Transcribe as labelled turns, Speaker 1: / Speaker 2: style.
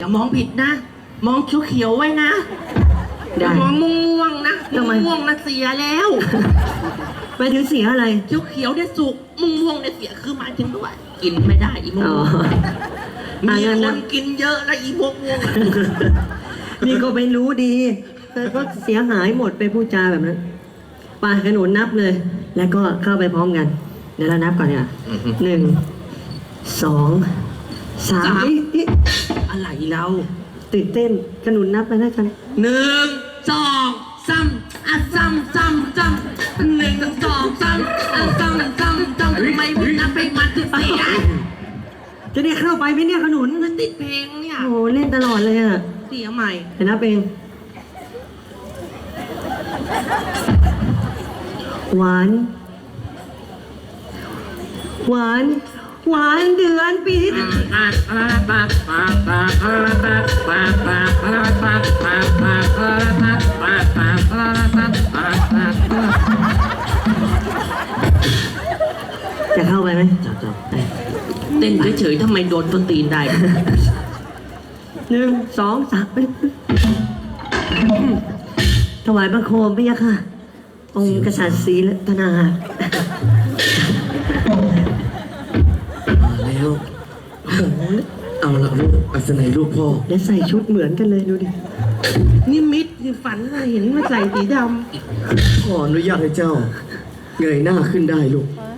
Speaker 1: อย่ามองผิดนะ มองเขียวๆไว้นะอย่ามองม่วงๆนะม่วงๆนะเสียแล้ว
Speaker 2: ไปถึงเสียอะไร
Speaker 1: เขียวๆเนี่ยสุกม่วงๆเนี่ยเสียคือหมายถึงด้วยกินไม่ได้อีม่ว
Speaker 2: อ๋อง
Speaker 1: มี
Speaker 2: งั้น
Speaker 1: ค
Speaker 2: นะ
Speaker 1: นกินเยอะแล้วอีม่วง
Speaker 2: นี่ก็ไม่รู้ดีแต่ก็เสียหายหมดไปพูดจาแบบนั้นไปขนุนนับเลย แล้วก็เข้าไปพร้อมกัน เดี๋ยวเรานับก่อนเนี่ย1 2 3นี่
Speaker 1: อะไรเรา
Speaker 2: ตื่นเต้นขนุนนับไปแล้วกัน
Speaker 1: 1 2 3อ่ะซ้ำ1 2 3อ่ะซ้ำไม่มึงนับไปมันจะเสีย
Speaker 2: จะได้เข้าไปไหมเนี่ยขนุน
Speaker 1: มันติดเพลงเนี่ย
Speaker 2: โอ้โหเล่นตลอดเลยอ่ะ
Speaker 1: เสียใหม่
Speaker 2: เดี๋ยวนับเองหวาน หวาน หวานเดือนปีที่จะเข้าไปไหม
Speaker 1: จับเต้นเฉยๆทำไมโดนต้นตีนได้
Speaker 2: 1 2 3ถวายบังคมพระยะค่ะ องค์กษัตริย์ศรีรัตนา
Speaker 3: แล้วเอาละลูกอัศนัยลูกพ่อ
Speaker 2: และใส่ชุดเหมือนกันเลยดูดิ
Speaker 1: นี่มิดนี่ฝันว่าเห็นมาใส่สีด
Speaker 3: ขออนุญาตให้เจ้าเงยหน้าขึ้นได้ลูก
Speaker 1: ำ